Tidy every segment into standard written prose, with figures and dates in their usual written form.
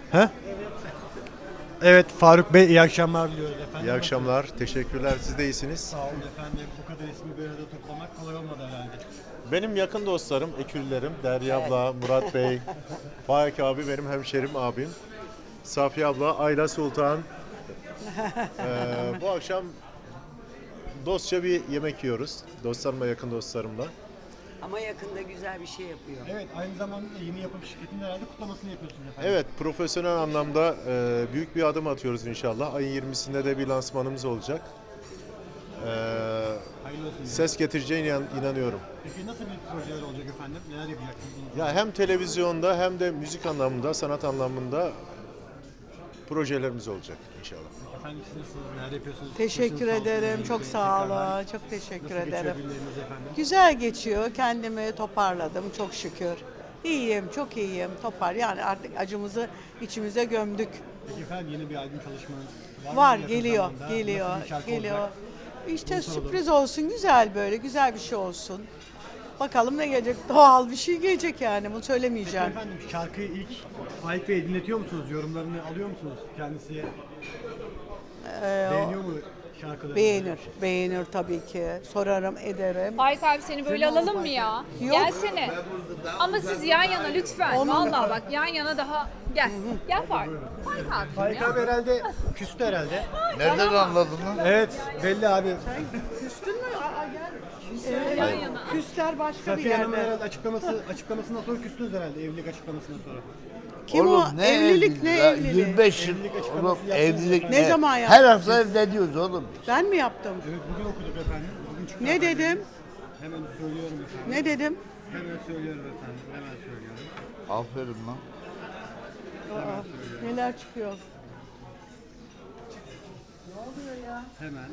He? Evet Faruk Bey iyi akşamlar diliyoruz efendim. İyi akşamlar, teşekkürler. Siz de iyisiniz. Sağ olun efendim. Bu kadar ismi bir arada toplamak kolay olmadı herhalde. Benim yakın dostlarım, ekürlerim, Derya abla, Murat Bey, Faik abi benim hemşerim abim. Safiye abla, Ayla Sultan. Bu akşam dostça bir yemek yiyoruz. Dostlarımla, yakın dostlarımla. Ama yakında güzel bir şey yapıyor. Evet aynı zamanda da yeni yapım şirketinin herhalde kutlamasını yapıyorsunuz efendim. Evet, profesyonel anlamda büyük bir adım atıyoruz inşallah. Ayın 20'sinde de bir lansmanımız olacak. Hayırlı olsun. Ses getireceğine inanıyorum. Peki nasıl bir projeler olacak efendim? Neler yapacaksınız? Ya hem televizyonda hem de müzik anlamında, sanat anlamında projelerimiz olacak inşallah. Efendim siz nasılsınız? Neler yapıyorsunuz? Teşekkür Başınız sağ olsun ederim. diyelim. Çok sağ olun. Çok teşekkür Nasıl geçiyor ederim. günleriniz efendim? Güzel geçiyor. Kendimi toparladım çok şükür. İyiyim, çok iyiyim. Yani artık acımızı içimize gömdük. Peki efendim yeni bir albüm çalışmanız var mı Var, yakın geliyor, zamanda? geliyor, Nasıl bir şarkı geliyor. olacak? İşte Bunu soralım. sürpriz olsun, güzel böyle, güzel bir şey olsun. Bakalım ne gelecek? Doğal bir şey gelecek yani. Bunu Peki söylemeyeceğim. efendim şarkıyı ilk Faik Bey'e dinletiyor musunuz? Yorumlarını alıyor musunuz kendisi? Beğeniyor mu şarkıları? Beğenir tabii ki. Sorarım, ederim. Faik abi seni böyle alalım mı ya? Yok. Gelsene. Ama siz yan yana lütfen. Vallahi bak yan yana daha gel. Gel Faik. Faik abi. Faik abi herhalde küstü herhalde. Nereden anladın lan? Evet belli abi. Küstün mü? Gel. Yan yana. Küsler başka bir Safiye Hanım'ın yerde. herhalde açıklamasından sonra küstünüz herhalde evlilik açıklamasından sonra. Kim o? Evlilik ne ya? evliliği? 25 yıl Evlilik oğlum açıklaması yaptınız. evlilik Ne zaman yaptın? Her hafta evleniyoruz oğlum. Ben mi yaptım? Evet bugün okuduk efendim. Bugün çıktı Ne efendim. dedim? Hemen söylüyorum efendim. Ne dedim? Hemen söylüyorum efendim. Hemen söylüyorum. Aferin lan. Neler çıkıyor? Hemen.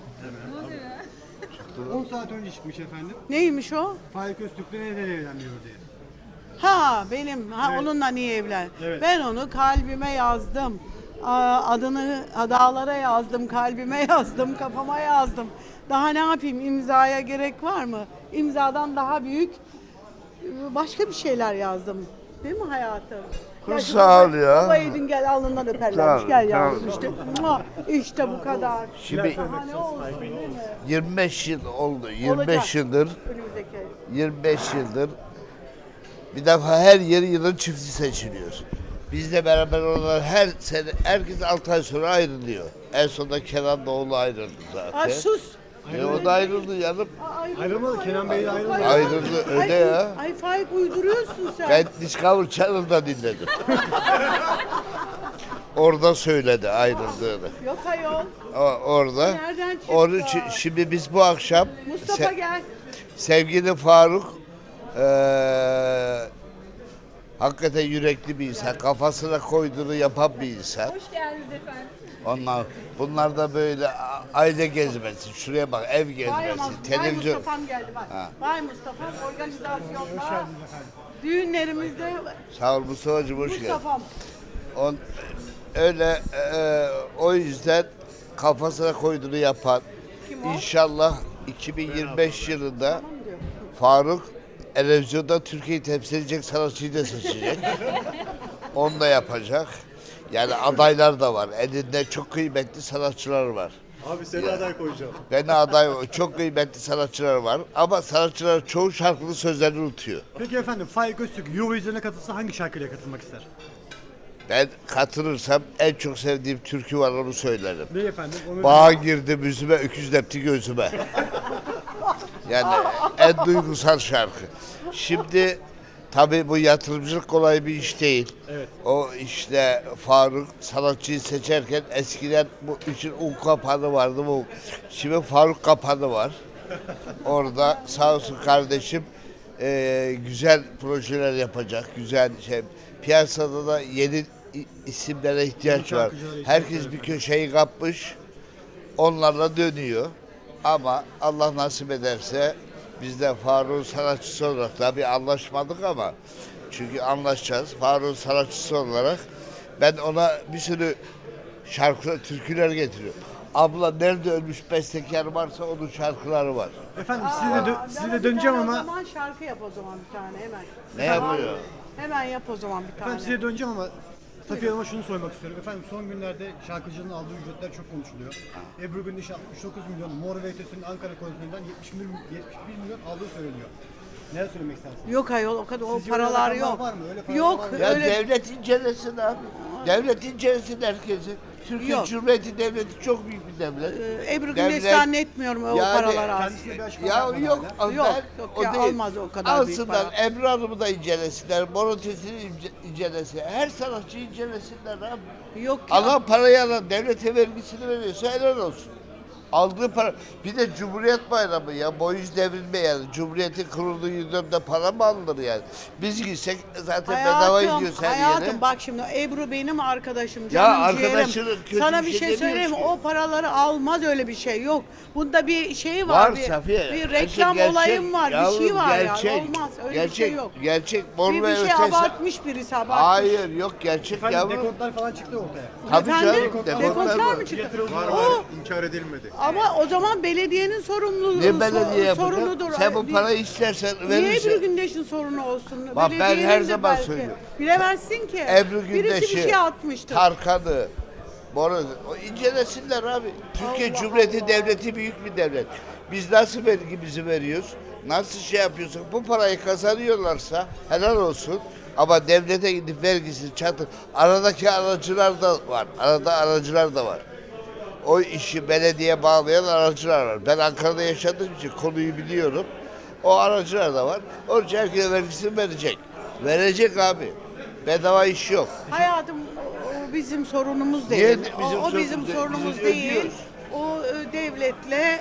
10 saat önce çıkmış efendim. Neymiş o? Faik Öztürk'le neden evlenmiyor diye. Benim. Evet. Onunla niye evlen? Evet. Ben onu kalbime yazdım. Adını dağlara yazdım, kalbime yazdım, kafama yazdım. Daha ne yapayım? İmzaya gerek var mı? İmzadan daha büyük başka bir şeyler yazdım. Değil mi hayatım? Kız şu sağ ol baba- ya. Baba Edin gel alnından öperlermiş. Sağ ol, Gel sağ yavrum ol. işte. Mua! İşte bu kadar. Şimdi Daha ne olsun değil mi? 25 yıl oldu. 25 Olacak. yıldır Önümüzdeki. 25 yıldır bir defa her yılın çifti seçiliyor. Bizle beraber olan her sene herkes 6 ay sonra ayrılıyor. En sonunda Kenan Doğulu ayrıldı zaten. Ay sus. O da ayrıldı yanım. Ayrılmadı, Kenan Bey de ayrılmadı. Ayrıldı, öyle ya. Ay Faik uyduruyorsun sen. Ben Discovery Channel'da dinledim. Orada söyledi ayrıldığını. Yok ayol. Orada. Nereden çıktı? Onun için şimdi biz bu akşam Mustafa gel. sevgili Faruk hakikaten yürekli bir insan. Kafasına koyduğunu yapan bir insan. Hoş geldiniz efendim. Bunlar da böyle aile gezmesi. Şuraya bak ev Vay gezmesi. Vay Televizyon. Mustafa'm geldi bak. Ha. Vay Mustafa'm organizasyonda. Hoş geldiniz efendim. Düğünlerimizde Sağ ol Mustafa'cığım hoş geldin. Mustafa'm. Öyle o yüzden kafasına koyduğunu yapan Kim o? inşallah 2025 yılında Faruk televizyonda Türkiye'yi temsil edecek sanatçıyı da seçecek. Onu da yapacak. Yani adaylar da var. Elinde çok kıymetli sanatçılar var. Abi seni aday koyacağım. Ben aday çok kıymetli sanatçılar var. Ama sanatçılar çoğu şarkının sözlerini unutuyor. Peki efendim Faik Öztürk Eurovision'a katılsa hangi şarkıyla katılmak ister? Ben katılırsam en çok sevdiğim türkü var onu söylerim. Ne efendim? Onu Bağa girdi yüzüme, öküz depti gözüme. Yani en duygusal şarkı. Şimdi tabii bu yatırımcılık kolay bir iş değil. Evet. O işte Faruk sanatçıyı seçerken eskiden bu için un kapanı vardı bu. Şimdi Faruk kapanı var. Orada sağ olsun kardeşim güzel projeler yapacak. Güzel şey. Piyasada da yeni isimlere ihtiyaç var. şarkıcılara ihtiyaç Herkes bir köşeyi kapmış. Onlarla dönüyor. Ama Allah nasip ederse biz de Faruk'un sanatçısı olarak tabii anlaşmadık ama çünkü anlaşacağız. Faruk'un sanatçısı olarak ben ona bir sürü şarkı, türküler getiriyorum. Abla nerede ölmüş bestekar varsa onun şarkıları var. Efendim size de döneceğim O ama zaman şarkı yap o zaman bir tane hemen. Ne yapıyor? Hemen yap o zaman bir tane. efendim size döneceğim ama Safiye Hanım'a şunu sormak istiyorum. Efendim son günlerde şarkıcının aldığı ücretler çok konuşuluyor. Ebru Gündeş 69 milyon, Mor ve Ötesi'nin Ankara konserlerinden 71 milyon aldığı söyleniyor. Neler söylemek istersiniz? Yok ayol o kadar o Sizce öyle paralar rakamlar yok. var mı? Öyle paralar Yok var mı? Ya öyle. devlet incelesin abi. Devlet incelesin herkesi. Türkiye Yok. Cumhuriyeti Devleti çok büyük bir devlet. Ebru Devlet- Gündeş zannetmiyorum o Yani paralar az. Kendisine bir açıklama Ya yapmadı yok, hala. Yok, ben- yok o ya, değil. almaz o kadar büyük Alsınlar, para. Ebru Hanım'ı da incelesinler, Morotesini incelesin. Her sanatçıyı incelesinler abi. Yok ya. Alan parayı alan, devlete vergisini veriyorsa helal olsun. Aldığı para, bir de Cumhuriyet Bayramı ya, boyuz devrilme yani. Cumhuriyetin kurulduğu yılda para mı alınır yani? Biz gitsek zaten bedava gidiyoruz her hayatım yere. bak şimdi Ebru benim arkadaşım, canım arkadaşının ciğerim. kötü Sana bir bir şey şey söyleyeyim mi? demiyoruz ki. O paraları almaz, öyle bir şey yok. Bunda bir şey var, Var bir, Safiye. bir Gerçek, reklam olayım var, bir şey yavrum, var gerçek, yani. Olmaz, öyle gerçek, bir şey yok. Gerçek, mor Bir ve şey ötesi. abartmış birisi, abartmış. Hayır, yok gerçek Efendim yavrum. dekontlar falan çıktı ortaya. Tabii Efendim? canım, Dekontlar var. mı çıktı? Yatırıldı. Var O- var, inkar edilmedi. Ama o zaman belediyenin sorumluluğu, Ne belediye sorunudur. yapacak? Sen bu parayı istersen Niye verirsen. Ebru Gündeş'in sorunu olsun? Bak ben Belediyenin her de zaman belki. söylüyorum. Bilemezsin ki. Ebru Birisi bir Gündeş'i, şey atmıştır. Tarkan'ı, Boraz'ı, o incelesinler abi. Türkiye Allah Cumhuriyeti Allah. Devleti büyük bir devlet. Biz nasıl vergimizi veriyoruz? Nasıl şey yapıyorsak bu parayı kazanıyorlarsa helal olsun. Ama devlete gidip vergisini çatır. Aradaki aracılar da var. Arada aracılar da var. O işi belediye bağlayan aracılar var. Ben Ankara'da yaşadığım için konuyu biliyorum. O aracılar da var. Onun için herkese vergisini verecek. Verecek abi. Bedava iş yok. Hayatım o bizim sorunumuz Niye değil. bizim O bizim sorunumuz değil? sorunumuz Biz değil. ödüyoruz. O belediyeyle,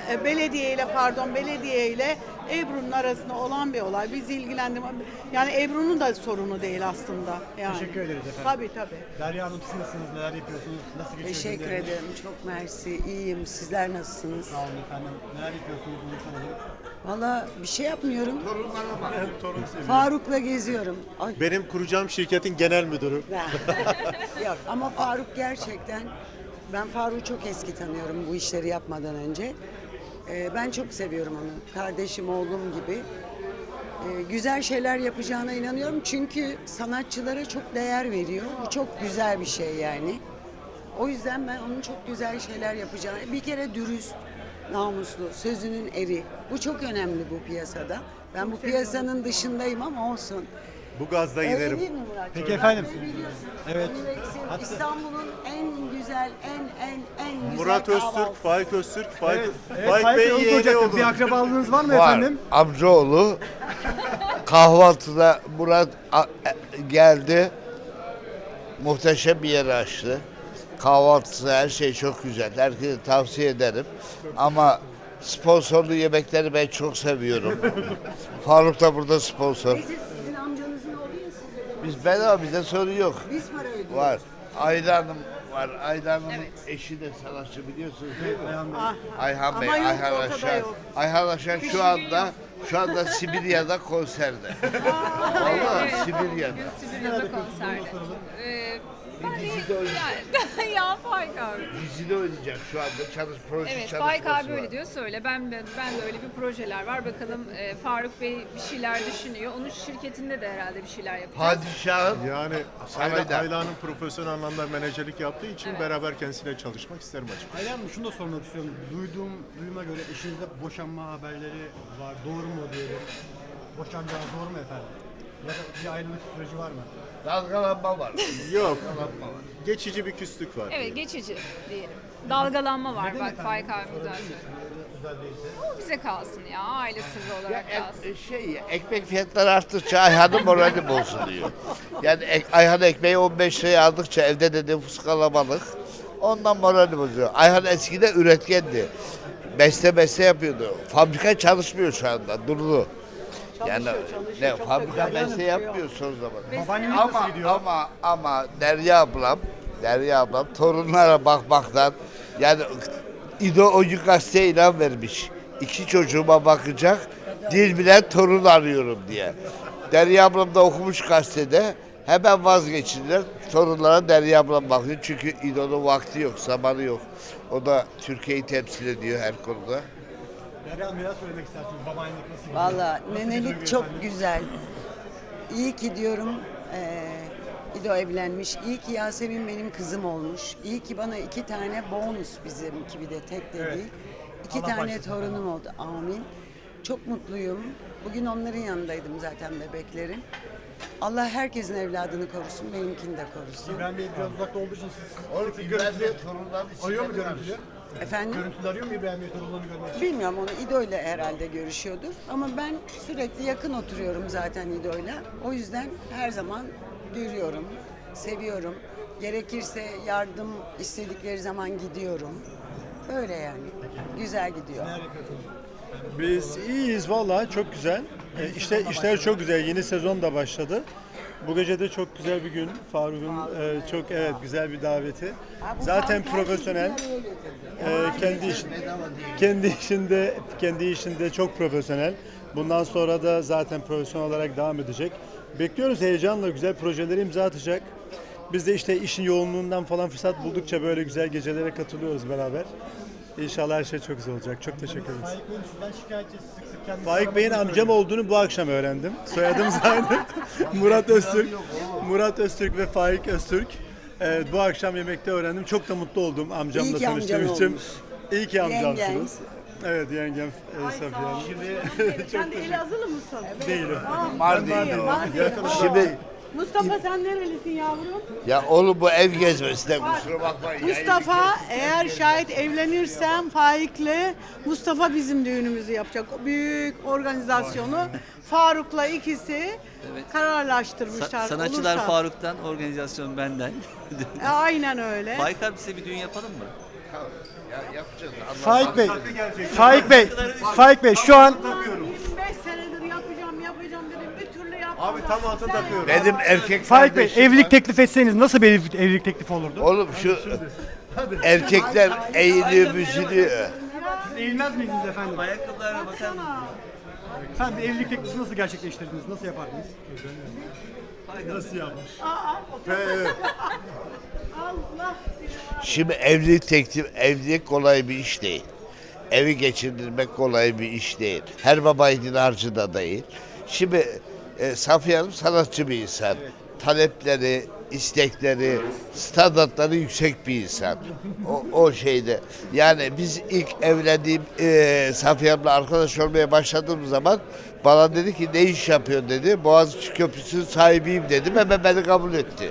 belediyeyle Ebru'nun arasında olan bir olay. Bizi ilgilendirmez. Yani Ebru'nun da sorunu değil aslında. Yani. Teşekkür ederiz efendim. Tabii tabii. Derya Hanım siz nasılsınız? Neler yapıyorsunuz? Nasıl geçiyor Teşekkür günleriniz? ederim. Çok mersi. İyiyim. Sizler nasılsınız? Sağ olun efendim. Neler yapıyorsunuz? Bunu soralım. Valla bir şey yapmıyorum. Torun seviyor. Faruk'la geziyorum. Ay. Benim kuracağım şirketin genel müdürü. Yok ama Faruk gerçekten, ben Faruk'u çok eski tanıyorum bu işleri yapmadan önce. Ben çok seviyorum onu. Kardeşim, oğlum gibi. Güzel şeyler yapacağına inanıyorum. Çünkü sanatçılara çok değer veriyor. Bu çok güzel bir şey yani. O yüzden ben onun çok güzel şeyler yapacağını, bir kere dürüst, namuslu, sözünün eri. Bu çok önemli bu piyasada. Ben bu piyasanın dışındayım ama olsun. Bu gazda Öyle giderim. değil mi Murat? Peki efendim. Biliyorsunuz. Evet. Universal, İstanbul'un en güzel, en güzel Murat Öztürk, kahvaltısı. Faik Öztürk, Faik, Evet, Faik Faik Bey, Bey onu yeğeni soracaktım. oldu. Bir akrabalığınız var mı Var. efendim? Amcaoğlu kahvaltıda Murat geldi. Muhteşem bir yer açtı. Kahvaltısı her şey çok güzel. Herkese tavsiye ederim. Ama sponsorlu yemekleri ben çok seviyorum. Faruk da burada sponsor. Neyse sizin amcanızın oğlu ya siz. Biz bedava, bize sorun yok. Biz para ödüyoruz. Var. Ayda Hanım var. Ayda Hanım'ın eşi de sanatçı, biliyorsunuz değil mi? Ayhan Bey, Ama yok, Ayhan ortada Aşar. yok. Ayhan Aşar şu anda Sibirya'da konserde. Vallahi Sibirya'da. Sibir'de konserde. Ben Dizide oynayacak. de ya Faik abi. Dizide oynayacak şu anda proje Evet çalışması Faik abi var. öyle diyor, söyle. Ben de öyle bir projeler var. Bakalım Faruk Bey bir şeyler düşünüyor. Onun şirketinde de herhalde bir şeyler yapacağız. Padişahın Yani Sarayda. Ayla'nın profesyonel anlamda menajerlik yaptığı için beraber kendisiyle çalışmak isterim açıkçası. Ayla Hanım şunu da sormak istiyorum. Duyuma göre eşinizde boşanma haberleri var. Doğru mu diyelim? Boşanacağı doğru mu efendim? Ya da bir ayrılık süreci var mı? dalgalanma var. Yok, Dalgalanma var. geçici bir küslük var. Evet geçici diyelim. Dalgalanma var Neden bak efendim? Faik abi güzel Sorabilir söylüyor. misiniz? Özel değilse. O bize kalsın ya, aile sırrı olarak kalsın. Ekmek fiyatları arttıkça Ayhan'ın morali bozuluyor. Yani Ayhan ekmeği 15 liraya aldıkça evde de nüfus kalabalık. Ondan morali bozuyor. Ayhan eskiden üretkendi. Beste yapıyordu. Fabrika çalışmıyor şu anda. Durdu. Yani çalışıyor, çok fabrika da güzel beste yapmıyor son zaman. Babaannelik nasıl gidiyor? Ama Derya ablam torunlara bakmaktan, yani ideolojik gazeteye ilan vermiş. 2 çocuğuma bakacak, dil bilen torun arıyorum diye. Derya ablam da okumuş gazetede, hemen vazgeçtiler. Torunlara Derya ablam bakıyor çünkü İdo'nun vakti yok, zamanı yok. O da Türkiye'yi temsil ediyor her konuda. Derya Hanım neler söylemek istersiniz? Babaannelik nasıl gidiyor? Valla Nasıl bir nenelik duygu çok efendim? güzel. İyi ki diyorum İdo evlenmiş. İyi ki Yasemin benim kızım olmuş. İyi ki bana 2 tane bonus, bizimki bir de tek de değil. 2 Allah tane başlasın. torunum oldu. Amin. Çok mutluyum. Bugün onların yanındaydım zaten, bebeklerin. Allah herkesin evladını korusun, benimkini de korusun. İbrahim Bey biraz uzakta olduğu için siz Oğlum sık sık İbrahim Bey görüntülü torunların arıyor mu içinde görüntülü? Efendim? Görüntülü arıyor mu İbrahim Bey torunlarını görmek için? Bilmiyorum, onu İdo'yla herhalde görüşüyordur. Ama ben sürekli yakın oturuyorum zaten İdo'yla. O yüzden her zaman görüyorum, seviyorum. Gerekirse yardım istedikleri zaman gidiyorum. Böyle yani. Güzel gidiyor. Neler yapıyorsunuz? Biz iyiyiz vallahi, çok güzel. İşte işler çok güzel. Yeni sezon da başladı. Bu gece de çok güzel bir gün. Faruk'un çok güzel bir daveti. Zaten profesyonel. Kendi işinde çok profesyonel. Bundan sonra da zaten profesyonel olarak devam edecek. Bekliyoruz heyecanla, güzel projeleri imza atacak. Biz de işte işin yoğunluğundan falan fırsat buldukça böyle güzel gecelere katılıyoruz beraber. İnşallah her şey çok güzel olacak. Çok teşekkür ederiz. Faik Bey'in sizden şikayetçi, sık sık kendisi Faik Bey'in aradığını amcam söylüyor. olduğunu bu akşam öğrendim. Soyadımız aynı. Murat Öztürk. Murat Öztürk ve Faik Öztürk. Bu akşam yemekte öğrendim. Çok da mutlu oldum İyi amcamla ki amcan tanıştığım için. olmuş. İyi ki Yengen. amcamsınız. Evet, yengem Safiye Hanım. Sen de Elazığlı mısın? Değilim. Mardin'de. Mardin. Şimdi Mustafa sen nerelisin yavrum? ya oğlum bu ev gezmesine kusura bakmayın. Mustafa, eğer şayet evlenirsem Faik'le, Mustafa bizim düğünümüzü yapacak. O büyük organizasyonu Faruk'la ikisi kararlaştırmışlar. Sanatçılar Olursa. Faruk'tan, organizasyon benden. Aynen öyle. Faik abi size bir düğün yapalım mı? Ya yapacağız. Faik Bey, Faik Bey şu an 25 senedir yapacağım dedim. Bir türlü yapmadım. Abi tam altın takıyorum. Benim erkek Faik Bey kardeşim evlilik var. teklif etseniz nasıl bir evlilik teklifi olurdu? Oğlum şu erkekler eğiliyor büzülüyor. Siz eğilmez miydiniz efendim? Ayakkabılarına bakar mısın? Efendim evlilik teklifi nasıl gerçekleştirdiniz? Nasıl yapardınız? Nasıl yapmış? Allah seni var. Şimdi evlilik kolay bir iş değil. Evi geçindirmek kolay bir iş değil. Her baba yiğidin harcı da değil. Şimdi Safiye Hanım sanatçı bir insan. Talepleri, istekleri, standartları yüksek bir insan. O şeyde. Yani biz ilk evlendiğim Safiye Hanım'la arkadaş olmaya başladığım zaman bana dedi ki ne iş yapıyorsun dedi. Boğaziçi Köprüsü'nün sahibiyim dedim. Hemen beni kabul etti.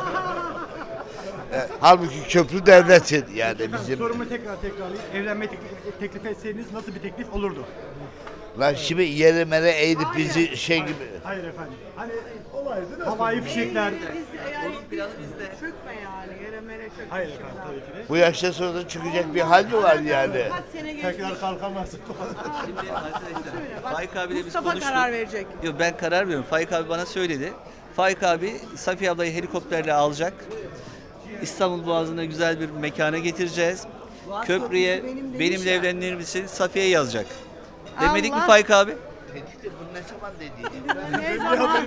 Halbuki köprü devletin yani Efendim bizim. sorumu tekrarlayayım. Evlenme teklif etseniz nasıl bir teklif olurdu? Lan şimdi yere mere eğilip bizi şey gibi. Hayır efendim. Hani havai fişekler. Onun planı bizde. Çökme yani. Yere mere çökme. Hayır efendim tabii ki de. Bu yaşta sonra da çıkacak bir hal mi var yani? Kaç sene geçti. Tekrar kalkamazsın. Şimdi arkadaşlar, Faik abiyle biz Mustafa konuştuk. karar verecek. Yok, ben karar veriyorum. Faik abi bana söyledi. Faik abi Safiye ablayı helikopterle alacak. İstanbul Boğazı'na güzel bir mekana getireceğiz. Boğaz Köprüye Köprüsü benim demiş benimle ya. evlenir misin? Safiye'ye yazacak. Demedik mi Allah. Faik abi? Tehdit de bu ne zaman dedi? Ne zaman?